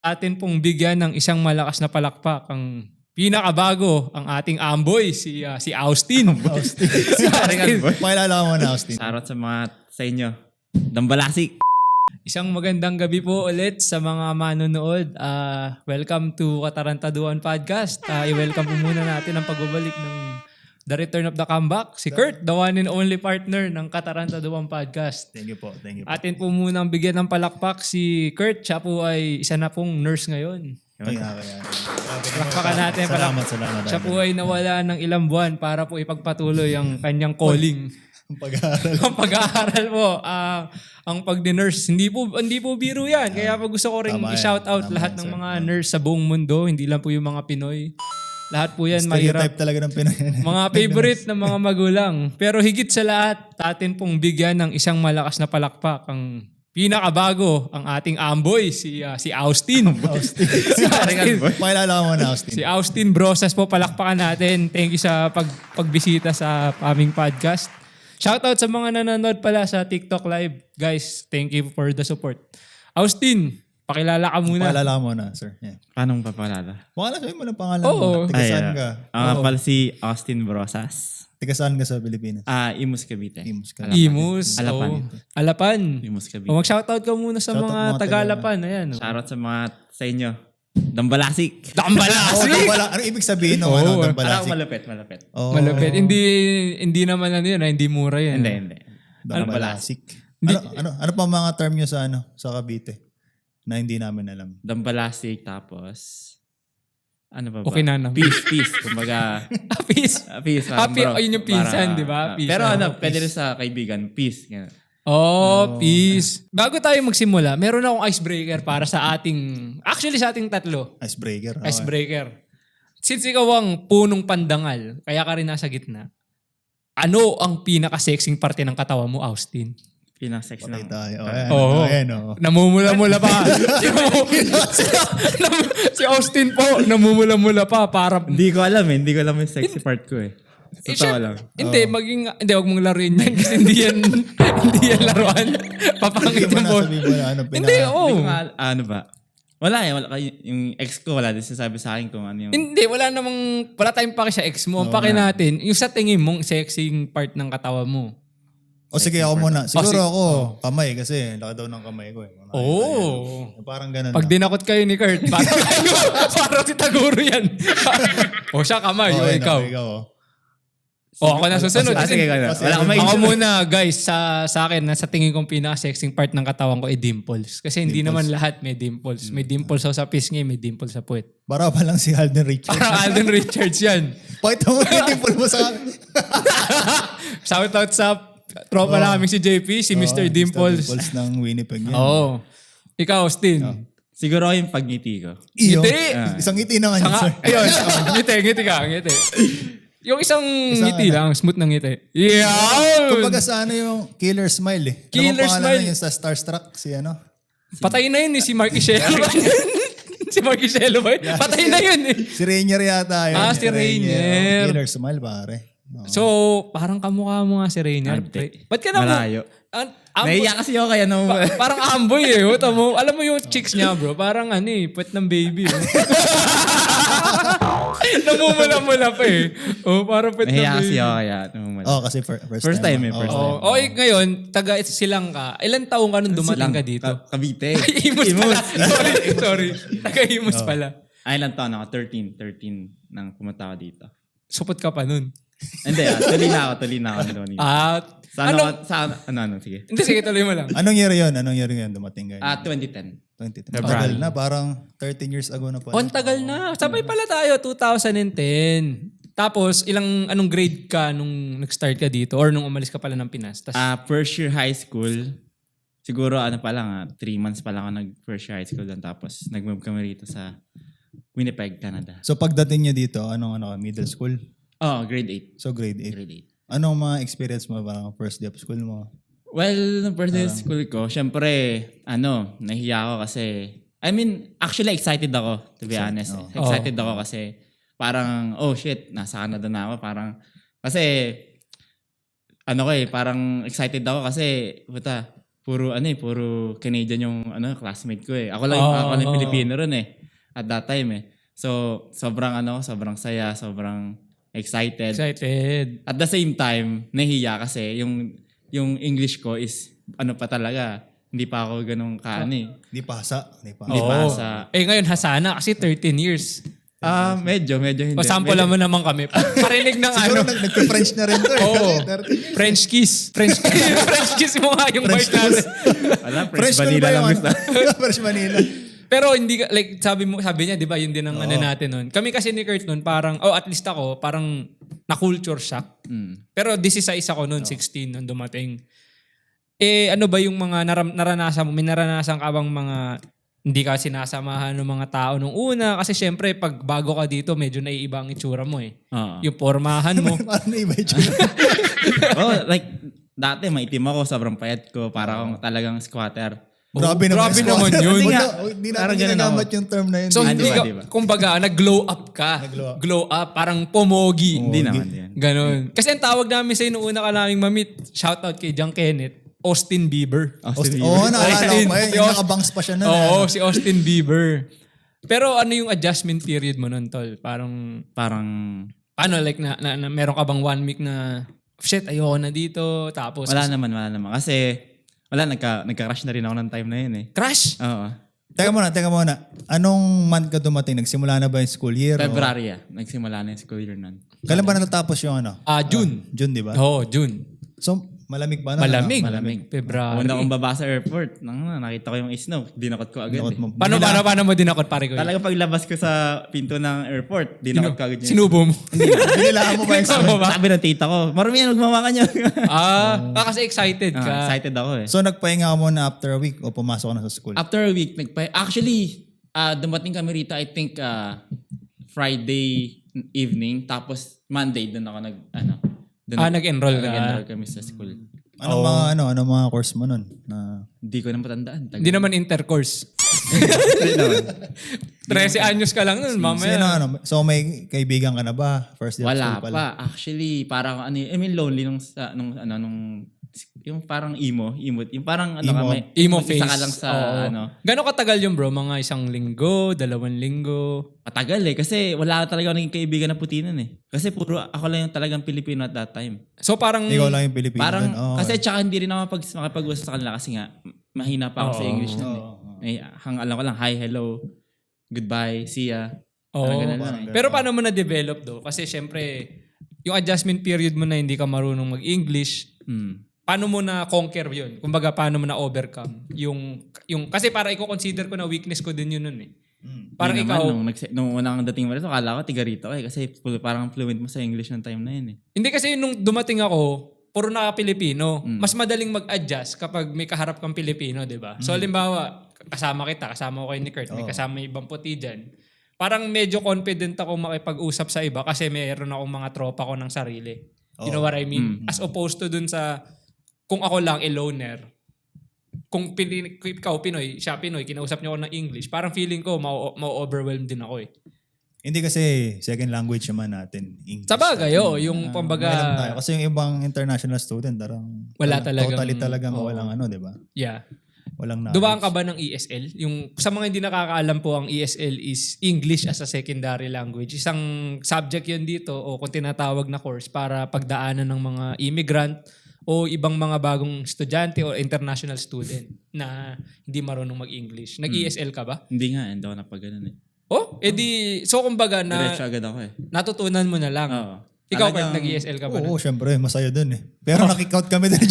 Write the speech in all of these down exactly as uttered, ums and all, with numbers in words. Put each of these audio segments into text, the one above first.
Atin pong bigyan ng isang malakas na palakpak ang pinakabago, ang ating amboy, si uh, si Austin. Austin. si Austin. Pakilala mo na, Austin. Sarot sa mga sa inyo. Dambalasik. Isang magandang gabi po ulit sa mga manonood. Uh, welcome to Katarantaduan Podcast. Uh, i-welcome po muna natin ang pagbabalik ng The Return of the Comeback. Si Kurt, the one and only partner ng Katarantaduan Podcast. Thank you po, thank you po. Atin po munang bigyan ng palakpak si Kurt. Siya po ay isa na pong nurse ngayon. Kaya, kaya. Palakpakan natin. Salamat, salamat. Siya po ay nawala ng ilang buwan para po ipagpatuloy ang kanyang calling. Ang pag-aaral. ang pag-aaral po, uh, ang pag-nurse. Hindi po, hindi po biro yan. Kaya po gusto ko rin Tama yan. i-shout out Tama lahat yan, ng sir. mga nurse sa buong mundo. Hindi lang po yung mga Pinoy. Lahat po yan mahirap. Stereotype talaga ng Pinoy. Mga favorite ng mga magulang. Pero higit sa lahat, atin pong bigyan ng isang malakas na palakpak ang pinakabago, ang ating amboy, si uh, si Austin. Austin. si Austin. Pakilala mo na, Austin. Si Austin Brosas po, palakpakan natin. Thank you sa pag pagbisita sa aming podcast. Shoutout sa mga nanonood pala sa TikTok Live. Guys, thank you for the support. Austin, pakilala ka muna. Pakilala mo na, sir. Yeah. Paano papalala? Pakilala, sabihin mo ng pangalan Oo. mo. Tiga saan Ay, ka? Ang nga Oo. pala si Austin Brosas. Tiga saan ka sa Pilipinas? Ah, Imus Cavite. Imus ka. Imus. Alapan. oh. Alapan. Imus Cavite. O mag-shoutout ka muna sa Shoutout mga mga Taga-Alapan. Ayan. oh. Sarot sa mga sa inyo. Dambalasik. Oh, Dambalasik! dambala. Ano ibig sabihin ng Oo. ano, Alam dambalasik? ko malapit, malapit. Oh, Malupit. Hindi hindi naman ano yun, ah, hindi mura yan. Hindi, hindi. Dambalasik. Ano, ano, ano pa mga term nyo sa ano sa Cavite na hindi namin alam? Dambalasik tapos ano ba ba? Okay na naman. Peace, peace. Kumbaga, Peace. ah, peace. Ah, parang pi- bro. ayun yung pinsan, Para- di ba? ah, Peace. Pero Ah, ano, peace. pwede rin sa kaibigan. Peace. Ganun. Oh, peace. Bago tayo magsimula, meron akong icebreaker para sa ating, actually sa ating tatlo. Icebreaker. Okay. Icebreaker. Since ikaw ang punong pandangal, kaya ka rin nasa gitna, ano ang pinaka-sexing parte ng katawan mo, Austin? Pinaka-sex Patay ng... tayo. Ayan, Oo. ayan, oh. Namumula-mula pa. si, si Austin po, namumula-mula pa para... Hindi ko alam eh. Hindi ko alam yung sexy part ko eh. Eh, Sa siya- lang. Hindi, maging... Hindi, huwag mong laruin yan kasi hindi yan, hindi yan laruan. Papangit Hindi mo yung na ball. sabihin mo na ano. Hindi, pinaka- oo. Hindi ko nga, ano ba? Wala eh. Wala, yung ex ko, wala din sinasabi sa akin kung ano yung... Hindi, wala namang... Wala tayong paki sa ex mo. Ang paki natin, yung sa tingin mong sexing part ng katawan mo. O sige, ako muna. Siguro sige. ako, kamay kasi laki daw ng kamay ko eh. Mga- Oo. Yung Parang ganun Pag lang. dinakot kayo ni Kurt, parang kayo, parang si Taguro yan. o siya kamay, o Okay, ikaw. na, ikaw oh. O ako na susunod. Ah, sige, Kasi- wala. Kasi- Wala akong Ako maisip. muna guys, sa sa akin, na sa tingin kong pinaka-sexing part ng katawan ko ay dimples. Kasi hindi naman lahat may dimples. May dimples ako sa pisngi, may dimples sa puwet. Para pa lang si Alden Richards. Parang Alden Richards yan. Pakita mo yung dimple mo sa akin. Shout out sa tropa namin si J P, si Mister Oh, Dimples. Dimples ng Winnipeg yan. Oo. Ikaw, Austin. Siguro yung pagngiti ko. Iyo. Ngiti. Isang ngiti na nga yun, Sanga, sir. ayun, oh, ngiti, ngiti ka, ngiti. Yung isang, ngiti ano? lang, smooth na ngiti. Yeah! Kumbaga sa ano yung killer smile eh. Killer ano bang pangalan smile. na yun sa Starstruck? Si ano? Patay na yun eh, si Mark Ishelo. si Mark Ishelo ba yun? Patay na yun eh. Si Rainier yata yun. Ah, si Rainier. Oh, Killer smile pare. Oh. So, parang kamukha mo nga si Rainier. Ante. Ba't ka na mo? Malayo. An- amboy, Naiiyak kasi ako kaya nung... pa- parang amboy eh. oh. Tamo, alam mo yung chicks niya bro, parang ano eh, puwet ng baby. Oh. Namumula-mula pa eh. Oh, parang puwet ng Naiiyak kasi baby. ako kaya nung... Oh, kasi fir- first, First time eh, oh. first Oh, oh, eh, ngayon, taga silang ka. Ilan taong ka nung dumating ka dito? Ka- Cavite. Imus pala. sorry, sorry. Taga-Imus Oh. pala. Ay, ilang taon ako? thirteen. thirteen nang pumunta ako dito. Supot ka pa nun. Hindi, ah, tuloy na ako. Tuloy na ako doon. At, Sa ano, ano? sa ano, ano, ano, sige. Hindi, sige, tuloy mo lang. Anong year yun? Anong year yun dumating kayo? Ah, twenty ten. twenty ten. February. Tagal na, parang thirteen years ago na pala. Oh, ang tagal na. Sabay pala tayo, two thousand ten. Tapos, ilang, anong grade ka nung nag-start ka dito? Or nung umalis ka pala ng Pinas? Tas, Ah, first year high school. Siguro ano pa lang, ah, three months pa lang ako nag first year high school doon. Tapos nag-move kami rito sa Winnipeg, Canada. So pagdating niya dito, anong ano, middle school? Oh, grade eight. So grade eight. Grade eight. Anong mga experience mo parang first day of school mo? Well, nung first day of school ko, syempre, ano, nahiya ako kasi, I mean, actually excited ako, to be honest. oh. Excited ako kasi, parang, oh shit, nasa Canada na ako. Parang, kasi, ano ko eh, parang excited ako kasi, puta, puro ano eh, puro Canadian yung ano classmate ko eh. Ako lang, Oo, ako lang oo. Pilipino ron eh. At that time eh. So, sobrang ano, sobrang saya, sobrang excited. Excited. At the same time, nahiya kasi yung yung English ko is ano pa talaga. Hindi pa ako ganun kaano eh. Hindi pasa. Hindi pa. Hindi Oo. pa sa- Eh ngayon, Hasana kasi thirteen years. Ah, medyo, medyo hindi. O sample Medyo- mo naman kami. Parinig ng Siguro ano. nag, nagka-French na rin to eh. Oo. thirty years. French kiss. French kiss. French kiss mo nga yung French part natin. Wala, French French na vanilla ba lang yung gusto. ano? French vanilla. Pero hindi ka, like sabi mo, sabi niya, 'di ba, yun din ang ano natin noon. Kami kasi ni Kurt noon, parang oh, at least ako, parang na culture shock. Mm. Pero this is sa isa ko noon, sixteen nung dumating. Eh ano ba yung mga naram, naranasan mo? May naranasan ka bang mga hindi ka sinasamahan ng mga tao nung una? Kasi syempre, pag bago ka dito, medyo naiiba ang itsura mo eh. Oo. Yung pormahan mo. Parang na-iba yung tsura. oh, like, dati maitim ako, sobrang payat ko, para akong talagang squatter. Grabe Oh, naman. grabe yung naman squatter. yun. Hindi Nga, na- Hindi natin parang ganun ginagamit ako. yung term na yun. So, Ah, hindi diba, ka, diba? kumbaga, nag-glow up ka. Nag-glow up. Glow up, parang pomogi. Hindi naman yan. Ganon. Kasi ang tawag namin sa'yo nung una ka naming mamit, shoutout kay John Kenneth, Austin Bieber. Austin Oo, oh, Bieber. naalala ko Austin. pa yun. Si Yung Aust- nakabangs pa siya na. Oo, si Austin Bieber. Pero ano yung adjustment period mo nun, tol? Parang, Parang, paano, like, na, na, na meron ka bang one week na, shit, ayoko na dito, tapos, wala naman, wala naman. Kasi, wala, nagka, nagka-crush na rin ako ng time na yun eh. crash? Oo. Teka muna, teka muna. Anong month ka dumating? Nagsimula na ba yung school year? o- February ah. Nagsimula na yung school year nun. Kailan ba natatapos yung ano? Ah, June. June, di ba? Oo, June. So, malamig ba na? Malamig. Malamig. February. Una akong baba sa airport, nang, nakita ko yung snow. Dinakot ko agad Nakot eh. mo. Paano, paano, paano mo dinakot, pare ko? Talaga paglabas ko sa pinto ng airport, dinakot ko agad yun. Sinubo mo. Binilaan mo ba yung Sinubo mo ba? Sabi ng tita ko, marami yan, magmawa ka niya. Ah, ah, kasi excited ka. Ah, excited ako eh. So, nagpahinga ka muna after a week o pumasok ka na sa school? After a week, nagpa- actually, ah dumating kami rito, I think, ah, Friday evening, tapos Monday, doon ako nag, ano, doon Ah, nag-enroll ka. nag-enroll kami sa school. Anong mga ano, anong mga course mo nun? Na, Hindi ko na matandaan. Tagal. Hindi naman intercourse. Hindi naman. thirteen anyos ka lang nun, sino, mamaya. ano? So, may kaibigan ka na ba? First day of Wala school pala. pa. Actually, parang ano, I mean lonely nung sa nung ano nung yung parang emo, emo, yung parang ano Emo. ka may Emo mag-isa face. ka lang sa Oo. ano. Gano'ng katagal yun, bro? Mga isang linggo, dalawang linggo. Matagal eh kasi wala talaga ako naging kaibigan na puti nun eh. Kasi puro ako lang yung talagang Pilipino at that time. So parang, Ikaw lang yung Pilipino. Parang dun. Oo, kasi eh. tsaka hindi rin ako pag makapag-usap sa kanila kasi nga mahina pa ako sa Oo. English nun eh. Oo, oo. Ay, hang alam ko lang hi, hello, goodbye, see ya. Oo. Parang ganun lang Parang eh. pero paano mo na-develop do? Kasi syempre, yung adjustment period mo na hindi ka marunong mag-English, Hmm. paano mo na conquer yun? Kumbaga, paano mo na overcome? Yung, yung, kasi para i-consider ko na weakness ko din yun nun eh. Mm. Parang Hindi ikaw, naman, nung, nagse- nung unang dating mo rito, akala ko tiga rito eh. Kasi full- parang fluent mo sa English ng time na yun eh. hindi kasi nung dumating ako, puro na Pilipino. Mm. Mas madaling mag-adjust kapag may kaharap kang Pilipino, di ba? So, halimbawa, kasama kita, kasama ko kay ni Kurt, may Oo. kasama ibang puti dyan. Parang medyo confident ako makipag-usap sa iba kasi mayroon akong mga tropa ko ng sarili. You know what I mean? Mm. As opposed to dun sa, kung ako lang, a loner, kung, pili, kung ikaw Pinoy, siya Pinoy, kinausap niyo ako ng English, parang feeling ko, ma- ma-overwhelm din ako eh. Hindi kasi second language naman natin. English. Sa bagay, oh, yung Ah, kumbaga, may alam tayo. Kasi yung ibang international student, tarang, Wala tarang- talagang- Totally talagang oo. walang ano, di ba? yeah. Walang knowledge. Dumaan ka ba ng E S L? Yung, sa mga hindi nakakaalam po, ang E S L is English as a secondary language. Isang subject yun dito o kung tinatawag na course para pagdaanan ng mga immigrant o ibang mga bagong estudyante o international student na hindi marunong mag-English. Nag-E S L ka ba? Hindi nga, hindi ako napag ganun eh. Oh, edi, so kumbaga na Diretso agad ako eh. natutunan mo na lang. Oo. Ikaw, Talagang- Kurt, nag-E S L ka ba? Oo, syempre, masaya dun eh. Pero nakikout kami din.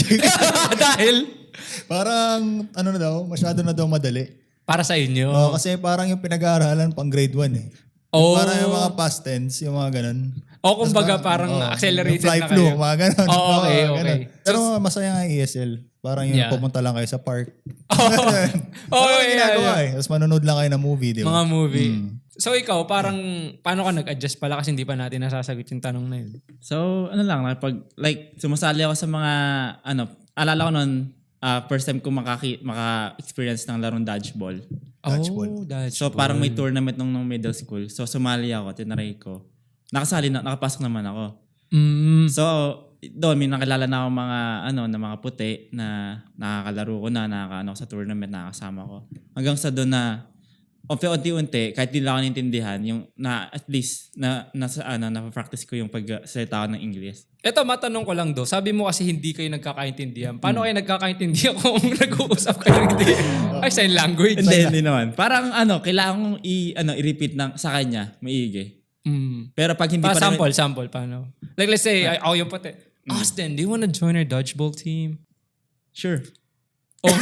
Dahil Parang, ano na daw, masyado na daw madali. para sa inyo. Oo, kasi parang yung pinag-aaralan pang grade one eh. Oh. Parang yung mga past tense, yung mga ganun. O kumbaga parang Oo, accelerated yung fly na flu, kayo. mga ganun. Oo, okay, Oo, okay. ganun. Pero masaya nga yung E S L. Parang yung Yeah. pumunta lang kayo sa park. Oo, Parang yeah, ginagawa yeah. eh. Tapos manonood lang kayo ng movie, di ba? Mga movie. Mm. So ikaw, parang paano ka nag-adjust pala kasi hindi pa natin nasasagot yung tanong na yun. So, ano lang, pag, like, sumasali ako sa mga, ano, alala ko nun, ah, first time ko makaki, maka-experience ng larong dodgeball. Dodgeball. Oh, dodgeball. So, parang may tournament nung, nung middle school. So, sumali ako, tinaray ko. Nakasali na, nakapasok naman ako. Mm. So, doon may nakilala na ako mga ano na mga puti na nakakalaro ko na, nakakaano ko sa tournament, nakakasama ko. Hanggang sa doon na unti-unti, kahit di lang ako naintindihan, yung na at least na nasa ano na-practice ko yung pagsalita ko ng English. Eto, matanong ko lang do. Sabi mo kasi hindi kayo nagkakaintindihan. Paano kayo nagkakaintindihan kung nag-uusap kayo ng hindi? Ay, sign language. Hindi, hindi naman. Parang ano, kailangan kong i ano i-repeat ng sa kanya, maigi. Mm. Pero pag hindi Pa, pa rin- sample, sample. Paano? Like, let's say, ay, ako yung puti. Austin, do you wanna join our dodgeball team? Sure. Oh,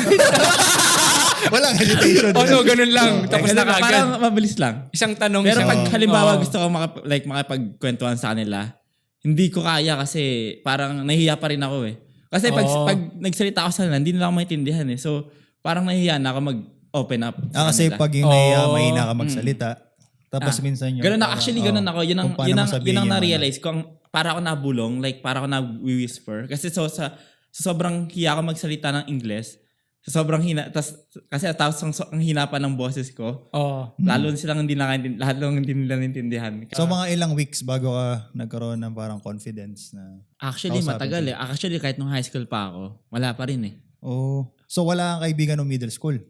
Walang hesitation. oh no, ganun lang. Tapos na Parang kagad. mabilis lang. Isang tanong. Pero isang, pag halimbawa Oo. gusto ko makap- like makipagkwentuhan sa kanila, hindi ko kaya kasi parang nahihiya pa rin ako eh. Kasi pag, Oo. pag nagsalita ako sa kanila, hindi nila ako maintindihan eh. So parang nahihiya na ako mag-open up sa Ah, kasi kanila. pag yung nahiya, Oo. mahina ka magsalita. Tapos Ah, minsan yung... Ganun na, actually ganun oh, ako. Yun ang, kung paano yun ang, mo sabihin yun ang yung ano. na-realize ko. Ang, para ako nabulong, like para ako na-whisper. Kasi so, sa, sa sobrang hiya ko magsalita ng Ingles, sa sobrang hina, tas, kasi tapos ang, ang hina pa ng boses ko, Oo. lalo silang hindi nakaintindihan, lahat lang hindi nila naintindihan. So mga ilang weeks bago ka nagkaroon ng parang confidence na... Actually, Kausapin matagal eh. Actually, kahit nung high school pa ako, wala pa rin eh. Oh. So wala kang kaibigan ng middle school?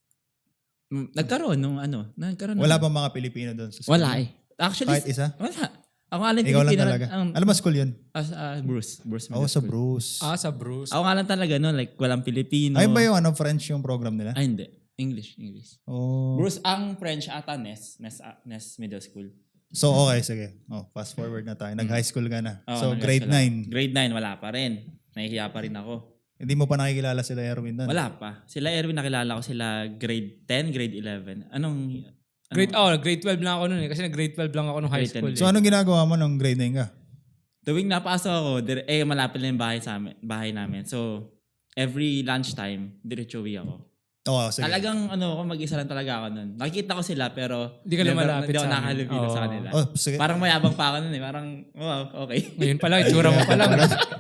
Mm, Nagkaroon nung ano, nagkaroon. Wala ng- bang mga Pilipino doon sa school? Wala eh. Actually, Kahit isa? wala. Ako nga lang Ikaw lang Pilipino talaga. ang- Alam mo school yun? as, ah, Bruce. Bruce Oo, Middle sa School. Bruce. Ah, sa Bruce. Ako nga lang talaga no, like walang Pilipino. Ay ba yung ano, French yung program nila? Ay, hindi. English, English. Oh. Bruce, ang French ata Nes, Nes, ah, Nes Middle School. So okay, sige. Oh, fast forward na tayo. Nag-high school ka na. Oo, so nag-high grade school ako. nine. Grade nine, wala pa rin. Nahihiya pa rin ako. Hindi mo pa nakikilala sila Erwin doon? Wala pa. Sila Erwin, nakilala ko sila grade ten, grade eleven. Anong... Grade, anong- oh, grade twelve lang ako noon eh. Kasi nag-grade twelve lang ako nung high Grade ten. school. So Eh. anong ginagawa mo nung grade nine ka? Tuwing napasok ako, dire- eh malapit lang yung bahay, sa amin, bahay namin. So, every lunchtime, diretso uwi ako. Oo, sige. Talagang ano ako, mag-isa lang talaga ako nun. Nakikita ko sila pero Hindi ka never- lumalapit Hindi ako sa amin. nakahalubilo sa Oo. kanila. Oh, sige. Parang mayabang pa ako nun eh. Parang, wow, okay. Ngayon pala, itsura mo pa lang.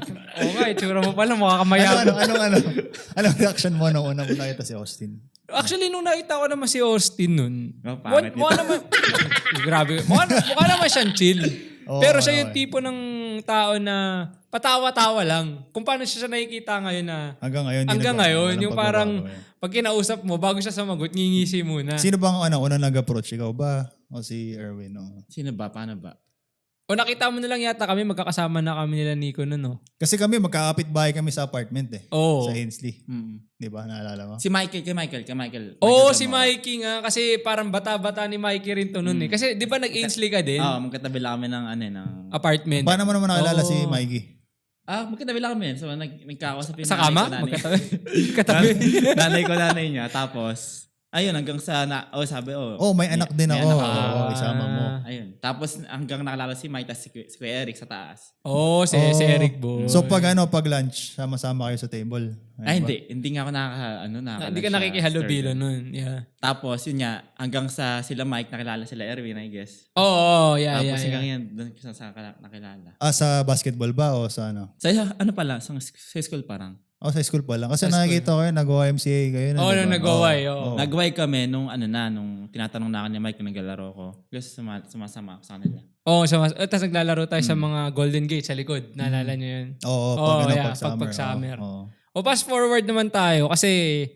Oo nga, itsura mo pa lang. Mukha ka ano, mayabang. ano, ano, ano, anong reaction mo nung una mo nakita si Austin? Actually, nung nakita ko naman si Austin nun, Oh, mukha, pangit mukha nito. naman, grabe, mukha, mukha naman siyang chill. Oo, Pero siya yung okay. tipo ng tao na patawa-tawa lang. Kung paano siya siya nakikita ngayon na, Hanggang ngayon. di hanggang nagbago, ngayon, walang yung parang, pagbabago eh. pag kinausap mo, bago siya sumagot, ngingisi muna. Sino bang ano, unang nag-approach? Ikaw ba? O si Erwin? O? Sino ba? Paano ba? O nakita mo na lang yata kami, magkakasama na kami nila Nico nun, no? Kasi kami, magkakapit bahay kami sa apartment eh. Oo. Sa Ainsley. Mm. Di ba? Naalala mo? Si Michael, kay Michael, kay Michael. Oo, Michael si Zamora. Mikey nga. Kasi parang bata-bata ni Mikey rin to nun eh. Kasi di ba nag-Ainsley ka din? Oo, magkatabi lang kami ng ano eh, ng... Apartment. Paano mo naman nakilala Oo. si Mikey? Ah, magkatabi lang kami. So, nag, nagkakausap yung Sa nanay kama? ko, nanay- Magkatabi. Magkatabi. nanay ko, nanay niya. Tapos, ayun, hanggang sa, na, oh, sabi, oh. Oh, may anak din may ako. anak ako. Oo, isama mo. Ayun. Tapos, hanggang nakalala si Mike, tapos si, Kuya- si Kuya Eric sa taas. Oo, si, si Oh. Eric Boy. So pag ano, pag lunch, sama-sama kayo sa table. Ayun Ay, ba? hindi. Hindi nga ako nakaka, ano, nakaka Hindi ka nakikihalubilo nun. Yeah. Tapos, yun nga, hanggang sa sila Mike, nakilala sila Erwin, I guess. Oo, oh, yeah, Tapos, yeah, hanggang yeah. yan, doon ko sa, sa nakilala. Ah, sa basketball ba o sa ano? Sa, ano pala, sa, sa school parang. O sa school pa lang. Kasi Sa school. nakikita ko yun, nag-O M C A kayo na. Oo, di ba? nung nag-O-Y, oo. Oo. Nag-Y kami nung ano na, nung tinatanong na ako ni Mike kung naglalaro ko. Gusto suma, sumasama ako sa kanila. Oo, so, uh, tapos naglalaro tayo sa mga Golden Gate sa likod. Naalala niyo yun? Oo, Oo, pag, ano, yeah, pag summer. pag- pag summer. Oo. O fast forward naman tayo kasi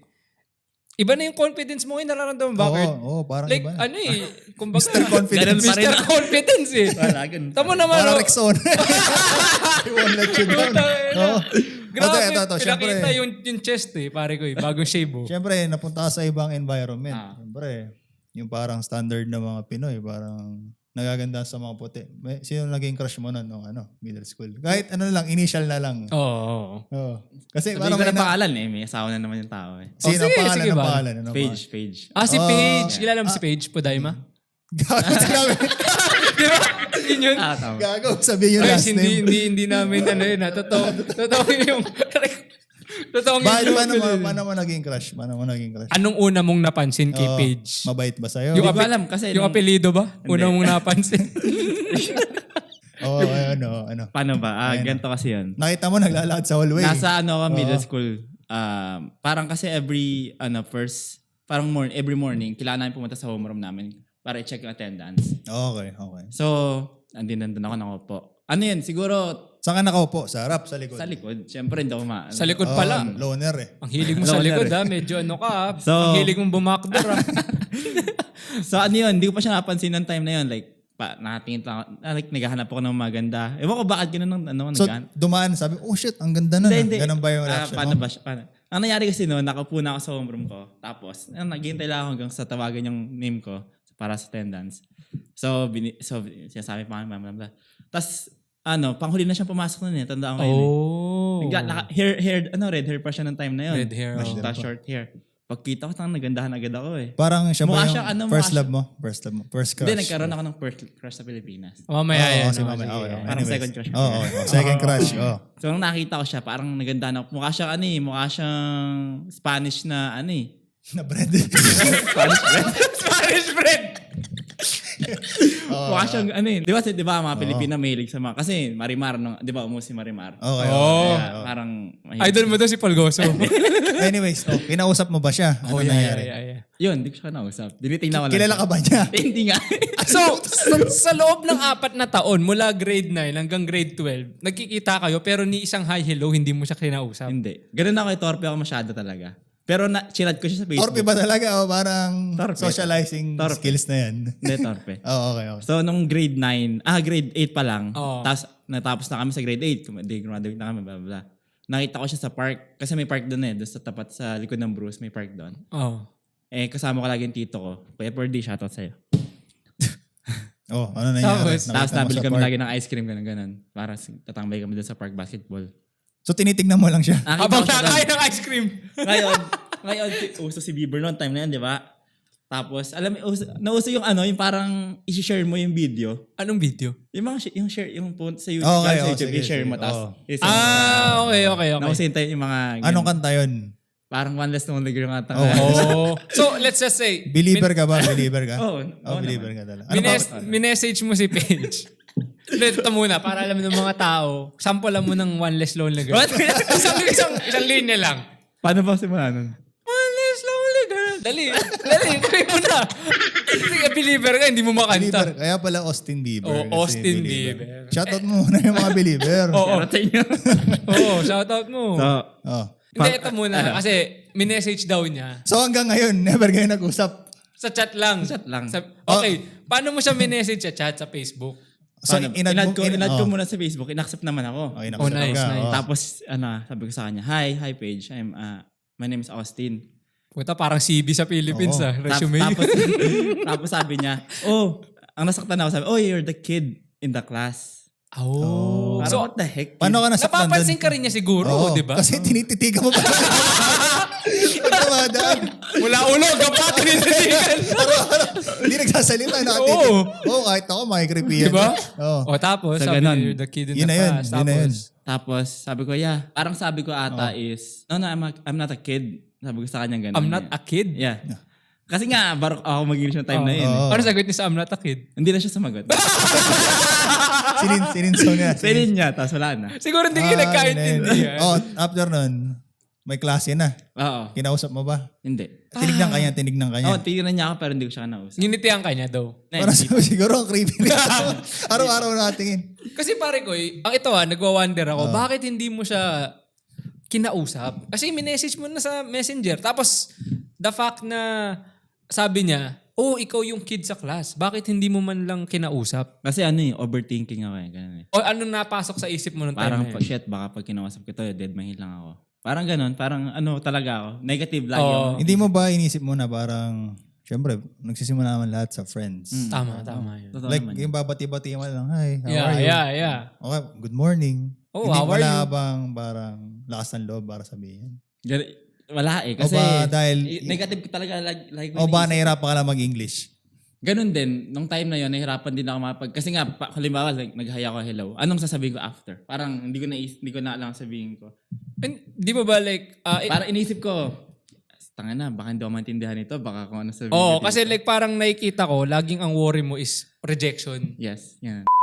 iba na yung confidence mo ngayon, nararamdaman ba? Oo, Kurt? oo, parang Like, iba. ano eh, kumbaga, Mister Confidence. Ganun pa rin. Mister Confidence eh. Wala, ganun. Tamo naman, Parang oh. Rexona. I won't let you down. Puta, ina. Oo. Grabe, Ito, ito, ito. Siyempre, pinakita yung, yung chest eh, pare ko eh, bagong shave oh. siyempre, napunta ka sa ibang environment. Ah. Siyempre, yung parang standard ng mga Pinoy, parang nagaganda sa mga puti. May, sino naging crush mo nun nung ano, middle school? Kahit ano lang, initial na lang. Oo. Oh, Oo. Kasi Sabihin parang ko may na na, pangalan eh. May asawa na naman yung tao eh. sino Oh, ang sige, pangalan sige ng ba? pangalan? Ano Page, page. Ah, si Oh. Paige. Kilala mo si Paige Podaima? Gago, sinabi. Di ba? Yun yun. Ah, tama. Gago, sabihin yung Guys, last hindi, name. hindi, hindi namin ano yun ha. Totoo. Totoo yung... Totoo yung... Bakit, paano mo, paano mo naging crush? Paano mo naging crush? Anong una mong napansin kay Oo. Paige? Mabait ba sa'yo? Yung Hindi ko ape- alam kasi Yung nung- apelido ba? Una mong napansin? Oo, oh, ano, ano. Paano ba? Ah, Ayun. ganito kasi yun. Nakita mo naglalakad sa hallway. Nasa ano ako, middle Oo. school. Um, parang kasi every, ano, first, parang morning, every morning, kailangan namin pumunta sa homeroom namin para i-check yung attendance. Okay, okay. So, andin nandun ako, nakaupo. Ano yun, siguro Saan ka nakaupo? Sa harap, sa likod? sa likod. Siyempre, hindi ako ma... Sa likod Oh, pala. loner eh. Ang hilig mo sa Loner likod eh. ha. Medyo ano ka ha. So- Ang hilig mong bumakdor ha. So ano yun, hindi ko pa siya napansin ng time na yun. Like, pa, nakatingin lang ako, ah, like, naghahanap ako ng maganda. Ewan ko bakit gano'n ng ano, So, naghahanap. dumaan, sabi, oh shit, ang ganda na. Hindi, hindi. Ganun ba yung Ah, reaction paano mo? ba siya? Paano? Ang nangyari kasi noon, nakaupo na ako sa homeroom ko. Tapos, ah, naghihintay lang ako hanggang sa tawagan yung name ko para sa attendance. So, bini, so sinasabi pa kami, blah, blah, blah. Tapos, ano, panghuli na siyang pumasok nun eh. Tandaan ko yun eh. Oh. Nagla- naka, hair, hair, ano, red hair pa siya ng time na yun. Red hair, Tapos, oh. tapos short hair. Pagkita ko, tang nagandahan agad ako eh. Parang siya ba Mukha yung siya, ano, first mukha love mo? First love mo? First crush? Hindi, nagkaroon ako ng first crush sa Pilipinas. Mamaya Oo, yan. si oh, Mama. sige. Okay, okay. Parang Anyways. second crush. Oo, oo, oo. Second crush. Oh. So, nung nakita ko siya, parang nagandahan ako. Mukha siyang ano eh, mukha siyang Spanish na ano eh. Na bread. Spanish bread. Spanish bread! Mukha siyang ano eh. Di ba, di ba mga Pilipina mahilig sa mga, kasi Marimar, no, di ba, umus si Marimar. Okay. Oh. okay. Kaya parang mahilig. Idol mo daw si Palgoso. Anyways, oh, kinausap mo ba siya? Ano oh, yeah, nangyari? yeah, yeah, yeah. Yun, di ko siya nausap. Dinitingnan ko lang. Kilala siya. ka ba niya? Hindi nga. So, sa, sa loob ng apat na taon, mula grade nine hanggang grade twelve, nagkikita kayo pero ni isang hi hello, hindi mo siya kinausap. Hindi. Ganun ako, torpe ako masyado talaga. Pero na, chinat ko siya sa Facebook. Torpe ba talaga? O parang Torpe. socializing Torpe. skills na yan? Hindi, torpe. Oo, okay, okay. So, nung grade nine, ah, grade eight pa lang, Oo. tapos natapos na kami sa grade eight, hindi, graduate na kami, blah, blah, blah. Nakita ko siya sa park, kasi may park doon eh, doon sa tapat sa likod ng Bruce, may park doon. Oh. Eh, kasama ko lagi yung tito ko. Kuya Purdy, shoutout sa'yo. Oh, ano nangyari? Tapos, Nakita Tapos mo nabili sa kami park. lagi ng ice cream, ganun, ganun. Para s- tatambay kami doon sa park basketball. So, tinitignan mo lang siya? Nakita Habang ko siya doon. nakain ng ice cream. Ngayon, ngayon, si- uso si Bieber noon, time na yan, di ba? Tapos, alam mo, uso, nauso yung ano, yung parang i-share mo yung video. Anong video? Yung mga, shi- yung share, yung po sa YouTube, Okay, sa oh, YouTube, sige, i-share mo, sige, tapos, oh. i-send mo. Ah, okay, okay, okay. Nauso yung, yung mga, Anong ganun. kanta yun? Parang one less lonely girl nga. Oh. Oh. So, let's just say, Believer ka ba? Believer ka? Oo, Oh, oo believer naman. ka talaga. Ano Mines- ba? minessage mo si Paige. Ito muna, para alam ng mga tao, sample lang mo ng one less lonely girl. What? isang, isang, isang linya lang. Paano ba simula nun? One less lonely girl. Dali, dali, try mo na. Sige, believer ka, hindi mo Believer. makanta. Kaya pala Austin Bieber. Oh, kasi Austin believer. Bieber. Shoutout mo muna yung mga believer. Oo. Shoutout sa inyo. Oo, shoutout mo. So, Oh. Hindi, ito muna. Kasi, minessage daw niya. So hanggang ngayon, never kayo nag-usap. Sa chat lang. Chat lang. Sa- okay, paano mo siya minessage sa chat sa Facebook? So, paano? inad inad mo- ko, in- inad ko oh. muna sa Facebook, inaccept naman ako. Okay, Oh, nakasap nice, ka. nice. Oh. Tapos, ano, sabi ko sa kanya, hi, hi Paige, I'm, uh, my name is Austin. Puta, parang C V sa Philippines Oo. ah. Tap- Resume. tapos, tapos sabi niya, oh, ang nasaktan ako, sabi, oh, you're the kid in the class. Oh. Parang, So, what the heck? Paano ka nasaktan napapansin doon? ka rin niya siguro, Oo, di ba? Kasi tinititigan mo pa. Pag dumadaan, Mula ulo, gapat, tinititigan. hindi nagsasalita. Nakatingin. Oo. Oo, kahit ako makikripihan. Di ba? Oo. O tapos, So, sabi ganun. niya, you're the kid in Yun the na yun, class. yun na yun. Tapos, Tapos, sabi ko, yeah. Parang sabi ko ata is, no, no, I'm, a, I'm not a kid. Sabi ko sa kanya ganun. I'm not a kid. Yeah. Kasi nga, barok ako mag-English ng time na yun. Oo. Ano sagot niya sa I'm not a kid? Hindi na siya sumagot. Sinin, sininsaw niya. Pinin niya, tapos wala na. Siguro hindi kayo Ah, nagkaintindihan. Oh, after nun, may klase na. Oo. Kinausap mo ba? Hindi. Tinignan ka niya, tinignan ka niya. Oo, tignan niya ako pero hindi ko siya nausap. Ginitihan ka niya daw. Para sa siguro ang creepy nito. Araw-araw nakatingin. Kasi pare ko, eh, ang ito ah, nagwa-wonder ako, bakit hindi mo siya kinausap? Kasi minessage mo na sa messenger. Tapos, the fact na sabi niya, oh, ikaw yung kid sa class. Bakit hindi mo man lang kinausap? Kasi ano eh, overthinking ako eh. Ganun eh. O ano napasok sa isip mo nung time Parang na pag yun? shit, baka pag kinausap ko to, dead mahil lang ako. Parang ganun, parang ano talaga ako. Negative lagi Oo. ako. Hindi mo ba inisip mo na parang, syempre, nagsisimula naman lahat sa friends. Tama, tama yun. Totoo Like, naman. yung babati-bati mo lang, hi, how Yeah, are you? yeah, yeah. Okay, good morning. Oh, Hindi how are wala you? bang parang lakas ng loob para sabihin? Gan- Wala eh. Kasi O ba dahil, i- negative talaga like, like o ba nahirapan ka lang mag-English? Ganun din, nung time na yon nahirapan din ako mapag... Kasi nga, pa, halimbawa, like, nag-hi ako, hello. Anong sasabihin ko after? Parang hindi ko na, hindi ko na alam sabihin ko. And, di ba ba like, uh, Parang inisip ko, tanga na, baka hindi ako maintindihan ito, baka kung ano sabihin oh, ko kasi dito." like parang nakikita ko, laging ang worry mo is rejection. Yes, yan.